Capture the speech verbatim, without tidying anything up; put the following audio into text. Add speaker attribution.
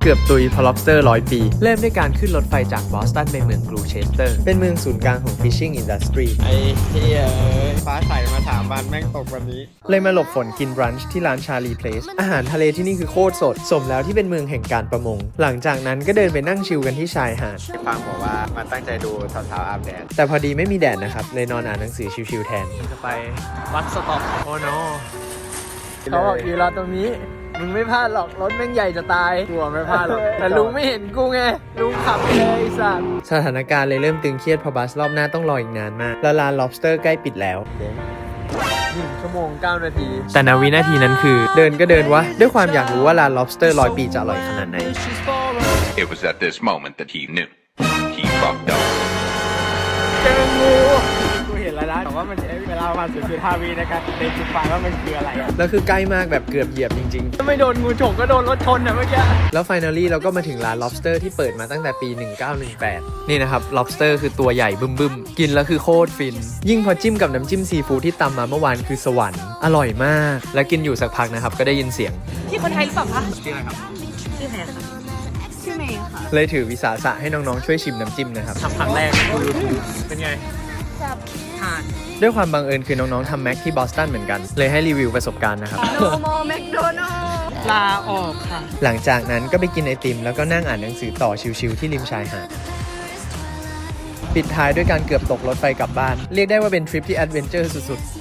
Speaker 1: เกือบตุยพอ lobster ร้อยปี เริ่มด้วยการขึ้นรถไฟจากบอสตันไปเมืองกรูเชสเตอร์เป็นเมืองศูนย์กลางของ fishing industry
Speaker 2: ไอ้เหี้ยฟ้าใสมาสามวันแม่งตกวันนี้
Speaker 1: เลยมาหลบฝนกินบรันช์ที่ร้านชาลีเพลสอาหารทะเลที่นี่คือโคตรสดสมแล้วที่เป็นเมืองแห่งการประมงหลังจากนั้นก็เดินไปนั่งชิลกันที่ชายหาด
Speaker 2: ฟังบอกว่ามันตั้งใจดูสาวๆอาบแดด
Speaker 1: แต่พอดีไม่มีแดดนะครับเลยนอนอ่านหนังสือชิลๆแทนจะไปวัดสต็อปโอ้โนเขาบอกอยู่รอตรงนี้มึงไม่พลาดหรอกรถแม่งใหญ่จะตายกลัวไม่พลาดหรอกแต่ลุงไม่เห็นกูไงลุงขับไปเลยสัตว์สถานการณ์เลยเริ่มตึงเครียดเพราะบัสรอบหน้าต้องรออีกนานมากแล้วร้าน lobster ใกล้ปิดแล้วหนึ่งชั่วโมงเก้านาทีแต่นาวินาทีนั้นคือเดินก็เดินวะด้วยความอยากรู้ว่าร้าน lobster ร้อยปีจะอร่อยขนาดไหน
Speaker 3: It was at this moment that he knew he fucked up.
Speaker 1: เจองู
Speaker 2: กูเห็นแล้วนะแต่ว่ามันใช้เวลาประมาณ ศูนย์จุดห้า วิในการเดนจิฟายว่ามันคืออะไรอ่ะ
Speaker 1: แล้วคือใกล้มากแบบเกือบเหยียบจริงๆถ้าไม่โดนงูฉกก็โดนรถชนอ่ะเมื่อกี้แล้ว finally เราก็มาถึงร้าน lobster ที่เปิดมาตั้งแต่ปีหนึ่งเก้าหนึ่งแปดนี่นะครับ lobster คือตัวใหญ่บึ้มๆกินแล้วคือโคตรฟินยิ่งพอจิ้มกับน้ำจิ้มซีฟู้ดที่ตำมาเมื่อวานคือสวรรค์อร่อยมากแล้วกินอยู่สักพักนะครับก็ได้ยินเสียง
Speaker 4: พี่คนไทยหรือเปล่าคะ
Speaker 2: ชื่ออะไรครับ
Speaker 4: ชื่อแพรค่ะชื่อเมย์ค่ะ
Speaker 1: เลยถือวิสาสะให้น้องๆช่วยชิมน้ำจิ้มนะครับทำครั้งแรกเป็นไง
Speaker 4: จับทาน
Speaker 1: ด้วยความบังเอิญคือน้องๆทำแม็กที่บอสตันเหมือนกันเลยให้รีวิวประสบการณ์นะครับ
Speaker 4: โนโมแมคโดนัลด์ลาออกค่ะ
Speaker 1: หลังจากนั้นก็ไปกินไอติมแล้วก็นั่งอ่านหนังสือต่อชิวๆที่ริมชายหาดปิดท้ายด้วยการเกือบตกรถไฟกลับบ้านเรียกได้ว่าเป็นทริปที่แอดเวนเจอร์สุดๆ